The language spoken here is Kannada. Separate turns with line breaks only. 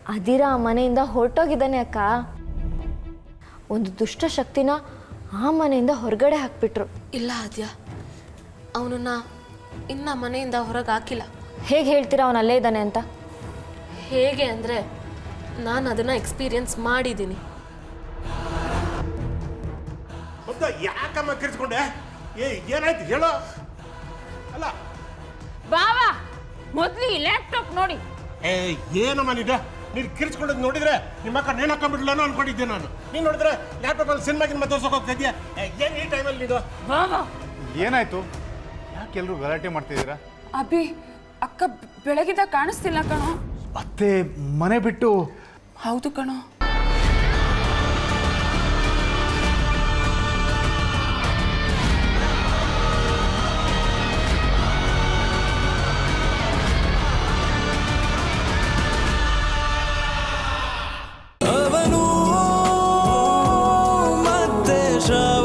ಅದಿರ ಆ ಮನೆಯಿಂದ ಹೊರಟೋಗಿದ್ದಾನೆ ಅಕ್ಕ. ಒಂದು ದುಷ್ಟ ಶಕ್ತಿನ ಆ ಮನೆಯಿಂದ ಹೊರಗಡೆ ಹಾಕ್ಬಿಟ್ರು.
ಇಲ್ಲ ಆದ್ಯ, ಅವನನ್ನ ಇನ್ನ ಮನೆಯಿಂದ ಹೊರಗೆ ಹಾಕಿಲ್ಲ.
ಹೇಗೆ ಹೇಳ್ತೀರಾ ಅವನು ಅಲ್ಲೇ ಇದ್ದಾನೆ ಅಂತ?
ಹೇಗೆ ಅಂದರೆ ನಾನು ಅದನ್ನು ಎಕ್ಸ್ಪೀರಿಯನ್ಸ್ ಮಾಡಿದ್ದೀನಿ.
ಯಾಕಮ್ಮ ಕಿರ್ಸ್ಕೊಂಡೆ? ಏನಾಯ್ತು ಹೇಳೋ. ಅಲ್ಲ
ಬಾವಾ ಮೊದಲು ಈ ಲ್ಯಾಪ್ಟಾಪ್ ನೋಡಿ.
ಏನಮ್ಮ ನೀನು ಕಿರ್ಸ್ಕೊಂಡದ್ದು ನೋಡಿದ್ರೆ ನಿಮ್ಮ ಅಕ್ಕ ನೇಣು ಹಾಕೊಂಡ್ಬಿಡ್ಲಾನು ಅನ್ಕೊಂಡಿದ್ದೆ ನಾನು. ನೀನು ನೋಡಿದ್ರೆ ಲ್ಯಾಪ್ಟಾಪಲ್ಲಿ ಸಿನಿಮಾಗಿನ ತೋರ್ಸೋಕೆ ಹೋಗ್ತಾ ಇದೆಯಾ? ಏನು ಈ ಟೈಮಲ್ಲಿ ನೀನು?
ಬಾವಾ
ಏನಾಯ್ತು? ಯಾಕೆ ಎಲ್ಲರೂ ಗಲಾಟೆ ಮಾಡ್ತಿದ್ದೀರಾ?
ಅಭಿ ಅಕ್ಕ ಬೆಳಗಿದ ಕಾಣಿಸ್ತಿಲ್ಲ ಕಣೋ.
ಅತ್ತೆ ಮನೆ ಬಿಟ್ಟು?
ಹೌದು ಕಣೋ.
ಅವನು ಮತ್ತೆ